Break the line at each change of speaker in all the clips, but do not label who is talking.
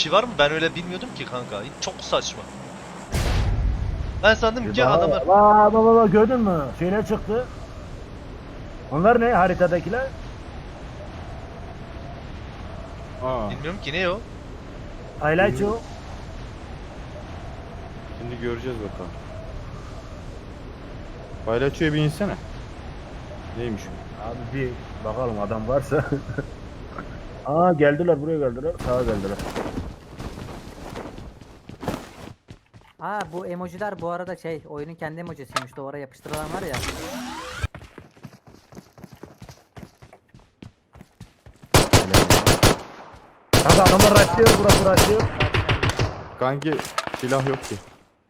şey var mı? Ben öyle bilmiyordum ki kanka. Çok saçma. Ben sandım ki adamlar...
Baba gördün mü? Şeyler çıktı. Onlar ne haritadakiler?
Aa,
Bilmiyorum ki ne o?
Highlight o.
şimdi göreceğiz bakalım. Paylaşıyor bir insene. Neymiş o?
Abi bir bakalım adam varsa. Aa geldiler buraya geldiler. Sağa geldiler.
Ha bu emojiler bu arada şey oyunun kendi emojisiymiş. Duvara yapıştırılan var ya.
Kanka adamlar rushlıyor, burası rushlıyor.
Kanki silah yok ki.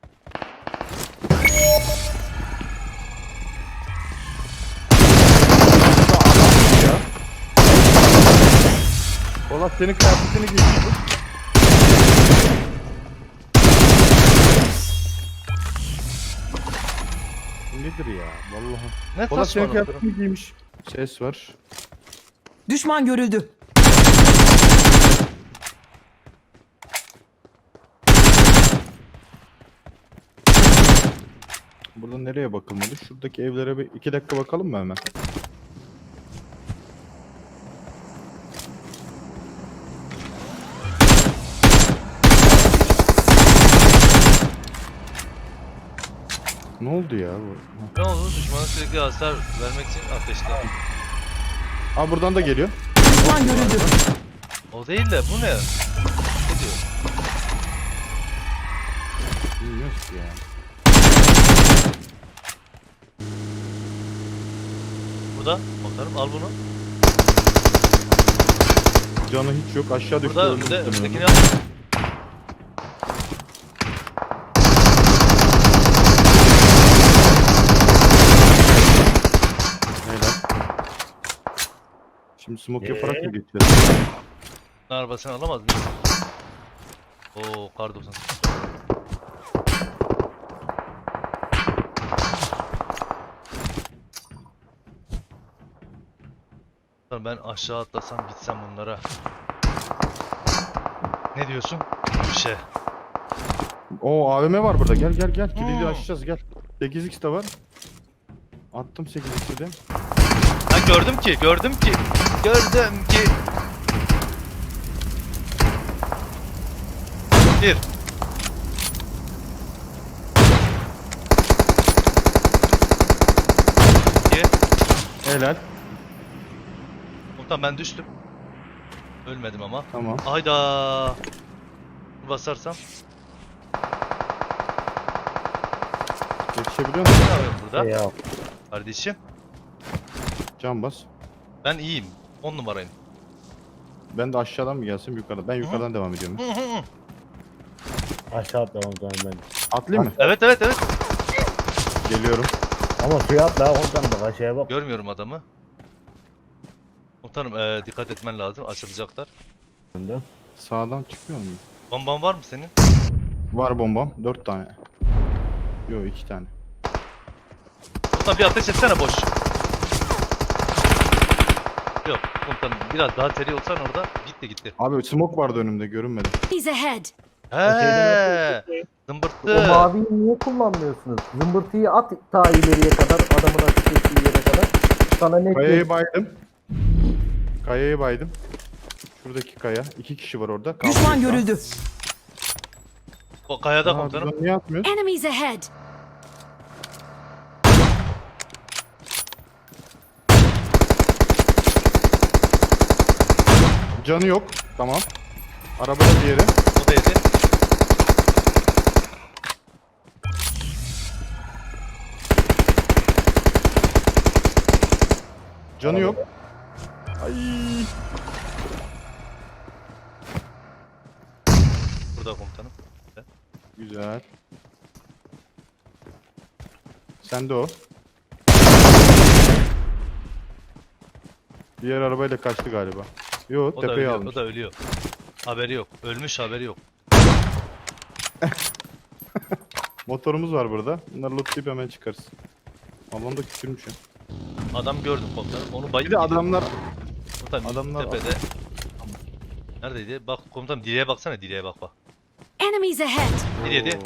Polat senin kıyafetini giymiş. Nedir ya vallahi.
Ne
Polat senin
saçma.
kıyafetini giymiş. Ses var.
Düşman görüldü.
Burada nereye bakılmadı? Şuradaki evlere bir 2 dakika bakalım mı hemen? Ne oldu ya bu?
Ne oldu? Düşmana sürekli hasar vermek için ateşle.
Aa buradan da geliyor.
Düşman görüldü.
O değil de bu ne? Ne diyor?
Bilmiyoruz ki ya.
Burada. Bakarım al bunu.
Canı hiç yok. Aşağı düştü.
Burada
öldü
önünde.
muhtemelen.
Öndekini al.
Helal. Şimdi smoke yaparak mı geçeceğiz?
Arabasını alamaz mıyız? Oo kar 98. Ben aşağı atlasam gitsem bunlara. Ne diyorsun? Bir şey.
Oo AVM var burada. Gel gel gel. Kilidi
Hmm.
açacağız gel. 8x de var. Attım 8x'i de.
Ha gördüm ki. Gördüm ki. Bir. İki.
Helal.
Komutan ben düştüm. Ölmedim ama.
Tamam.
Hayda. Basarsam.
Yetişebiliyor musun?
Ne yapıyorum burada?
Ya.
Kardeşim.
Can bas.
Ben iyiyim. 10 numarayım.
Ben de aşağıdan mı gelsem yukarıdan? Ben yukarıdan devam ediyorum.
Aşağı atlamam zaman ben.
Atlayayım mı?
Evet.
Geliyorum.
Ama suya atla oradan bak aşağıya bak.
Görmüyorum adamı. Komutanım dikkat etmen lazım. Açılacaklar.
Önden.
Sağdan çıkmıyor mu?
Bomban var mı senin?
Var bombam. 4 tane. Yo 2 tane.
Komutan bir ateş etsene boş. Yok komutanım biraz daha seri olsan orada gitti.
Abi smoke vardı önümde görünmedi.
He's ahead.
He,
O
zımbırttı.
maviyi niye kullanmıyorsunuz? Zımbırtıyı at ta ileriye kadar adamın ateş ettiği yere kadar. Sana net
Kayayı baydım. Kayayı baydım. Şuradaki kaya. 2 kişi var orada. Kaldı
Düşman
şu an.
görüldü.
O kayada
Aa,
komutanım.
biz onu niye atmıyoruz?
Enemies ahead.
Canı yok. Tamam. Arabada diğeri.
O da yedi.
Canı yok. Ay.
Burada komutanım.
Güzel. Sen de o. Diğer arabayla kaçtı galiba. Yo
O da
tepeye
ölüyor.
almış.
O da ölüyor. Haberi yok. Ölmüş haberi yok.
Motorumuz var burada. Bunları lootlayıp hemen çıkarız. Alanda küçülmüş ya.
Adam gördüm komutanım. Onu
Bir
bayıp
de
gidiyor.
adamlar
Komutanım
adamlar-
tepede. Neredeydi? Bak komutanım direğe baksana, direğe bak bak.
Enemies ahead!
Direğe.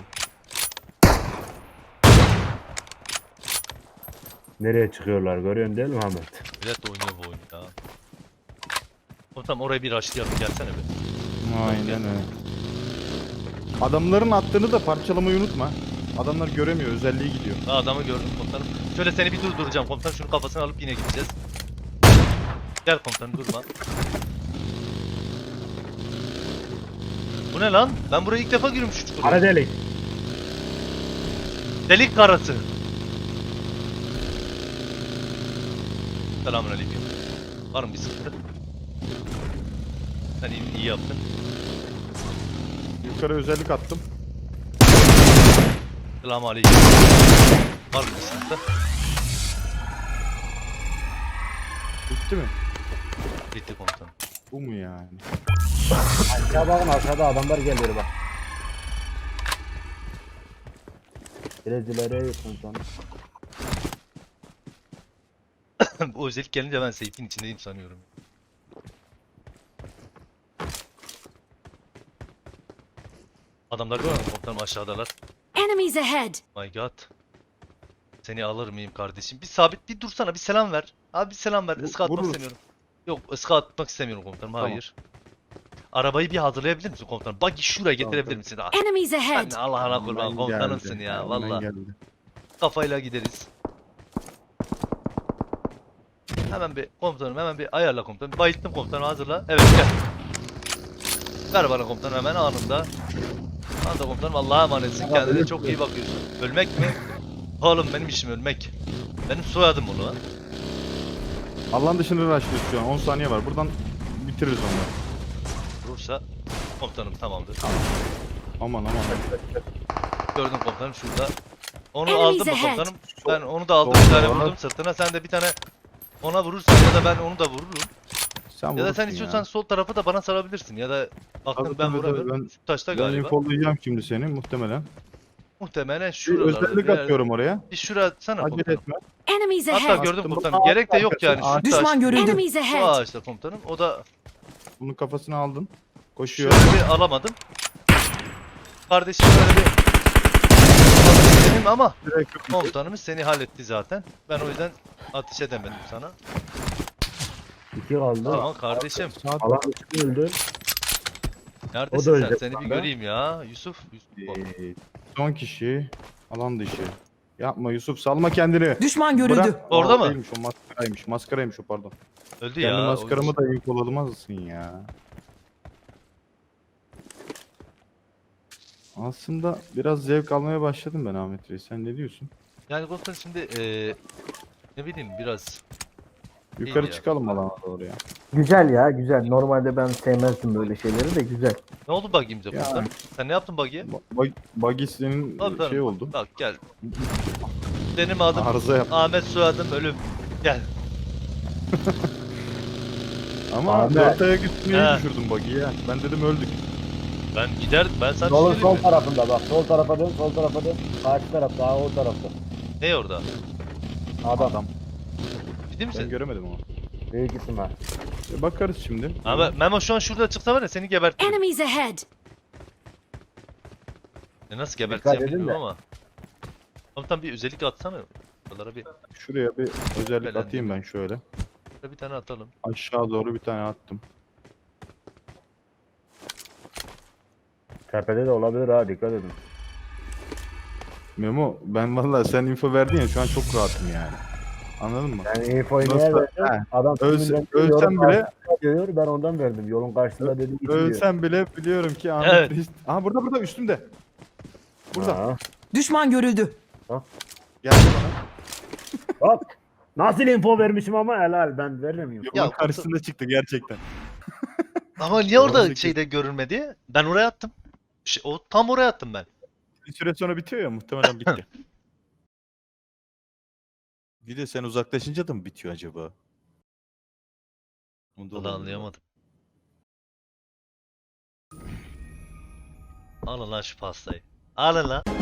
Nereye çıkıyorlar görüyorsun değil mi Ahmet?
Millet de oynuyor bu oyunu ya. Komutanım oraya bir rushlayalım, gelsene be.
Aynen öyle. Adamların attığını da parçalamayı unutma. Adamlar göremiyor, özelliği gidiyor.
Ha, adamı gördüm komutanım. Şöyle seni bir durduracağım komutanım, şunu kafasına alıp yine gideceğiz. Gel komutanım, durma. Bu ne lan? Ben buraya ilk defa giriyorum şu çukura.
Ara delik.
Delik karası. Selamünaleyküm. Var mı bir sıkıntı? Sen iyi yaptın.
Yukarı özellik attım.
Selamünaleyküm. Var mı bir sıkıntı?
Bitti mi?
Bitti komutanım.
Bu mu yani?
Aşağı bakın aşağıda adamlar geliyor bak. Biraz ileriye yakın sonra.
Bu özellik gelince ben seyfin içindeyim sanıyorum. Adamlar görüyor musun komutanım, aşağıdalar.
Enemies ahead!
My god. Seni alır mıyım kardeşim? Bir sabit bir dursana, bir selam ver. Abi bir selam ver. Iska atmak
vururuz.
istemiyorum. Yok, ıska atmak istemiyorum komutanım.
Tamam.
Hayır. Arabayı bir hazırlayabilir misin komutanım? Buggy şuraya getirebilir
Tamam.
misin? Ah,
Enemies ahead!
sen Allah'ına kurban
Hemen
komutanımsın
geldi,
ya
hemen
valla.
geldi.
Kafayla gideriz. Hemen bir komutanım, hemen bir ayarla komutanım. Bayılttım komutanım, hazırla. Evet, gel. Ver bana komutanım hemen anında. Anında komutanım, Allah'a emanetsin. Kendine çok iyi bakıyorsun. Ölmek mi? Oğlum benim işim ölmek. Benim soyadım onu lan.
Allah'ın dışını rushlıyoruz şu an. 10 saniye var. Buradan bitiririz onları.
Vurursa komutanım tamamdır.
Aman aman.
Gördüm komutanım şurada. Onu
Enemies
aldım mı
ahead.
komutanım? Ben onu da aldım,
Sol
bir tane
tarafa.
vurdum sırtına. Sen de bir tane ona vurursun ya da ben onu da vururum.
Sen
Ya da
vurursun
sen istiyorsan sol tarafı da bana sarabilirsin. Ya da baktın
Tabii,
ben
tabii,
vuramıyorum.
tabii.
Şu taşta
Ben
galiba.
infolayacağım şimdi seni muhtemelen.
Muhtemelen
Bir
şuralarda.
özellik
bir yerde.
atıyorum oraya.
Bir şura atsana
Acele
komutanım.
etme.
Enemies
Hatta
ahead!
gördüm
Attım.
komutanım. Gerek de yok yani. Şu
Düşman
taş,
görüldü.
Enemies
şu
ahead!
ağaçta komutanım. O da
Bunun kafasını aldın. Koşuyor.
şöyle bir alamadım. Kardeşim böyle bir benim ama
Direkt yok.
komutanımız seni halletti zaten. Ben o yüzden ateş edemedim sana.
2 kaldı.
Tamam kardeşim.
Saat
Alan dışı öldü.
Neredesin sen?
ölecek
Seni bir
bana.
göreyim ya. Yusuf. Yusuf.
son kişi. Alan dışı. Yapma Yusuf, salma kendini.
Düşman görüldü.
Bırak.
Orada
Aa,
mı?
Değilmiş, o maskaraymış. Maskaraymış o, pardon.
Öldü
Kendi
ya.
maskaramı da infolamazsın ya. Aslında biraz zevk almaya başladım ben Ahmet Reis. Sen ne diyorsun?
Yani komutanım şimdi ne bileyim biraz.
Yukarı
ya.
çıkalım alana doğru ya.
Güzel ya güzel. Normalde ben sevmezdim böyle şeyleri de güzel.
Ne oldu buggy'imize
Ya.
komutanım? Sen ne yaptın buggy'ye?
Buggy senin
Tabii, tabii.
şey oldu.
Bak gel. Benim adım
Arıza yap.
Ahmet, soyadım Ölüm. Gel.
Ama
Ahmet.
4 ayak üstüne
He.
düşürdüm buggy'yi ya. Ben dedim öldük.
Ben giderdim. Ben sana
Yolun
söyleyeyim
sol
mi?
tarafında bak. Sol tarafa dön, sol tarafa dön. Karşı taraf daha o tarafta.
Ne orada?
Adam.
Ciddi
Ben
misin?
göremedim ama.
Büyük ihtimal.
Bakarız şimdi.
Ama Memo şu an şurada çıksa var ya seni gebertirim.
Enemies ahead!
Nasıl geberteceğim
edin
bilmiyorum
de.
ama. Komutan bir özellik atsana. Buralara
Şuraya bir özellik
Belendim.
atayım ben şöyle.
bir tane atalım.
Aşağı doğru bir tane attım.
Tepede de olabilir ha, dikkat edin.
Memo, ben vallahi sen info verdin ya, şu an çok rahatım yani. Anladın mı?
Yani infoyu niye
Nasıl-
verdim?
He.
Adam
Ölsem
yolun
bile
karşısında diyor, ben ondan verdim. Yolun karşısında dedi git diyor.
ölsem bile biliyorum ki Ahmet
Evet.
Reis. Aha burada üstümde. Burada.
Ha.
Düşman görüldü.
Geldi bana.
Bak. Nasıl info vermişim ama helal, ben veremiyorum.
Yolun
Ya,
karşısında çıktı gerçekten.
Ama niye orada
Oradaki-
şeyde görünmedi? Ben oraya attım. O tam oraya attım ben.
Bir süre sonra bitiyor ya, muhtemelen bitti. Bir de sen uzaklaşınca da mı bitiyor acaba? Onu
Vallahi anlayamadım. Alın lan şu pastayı. Alın lan.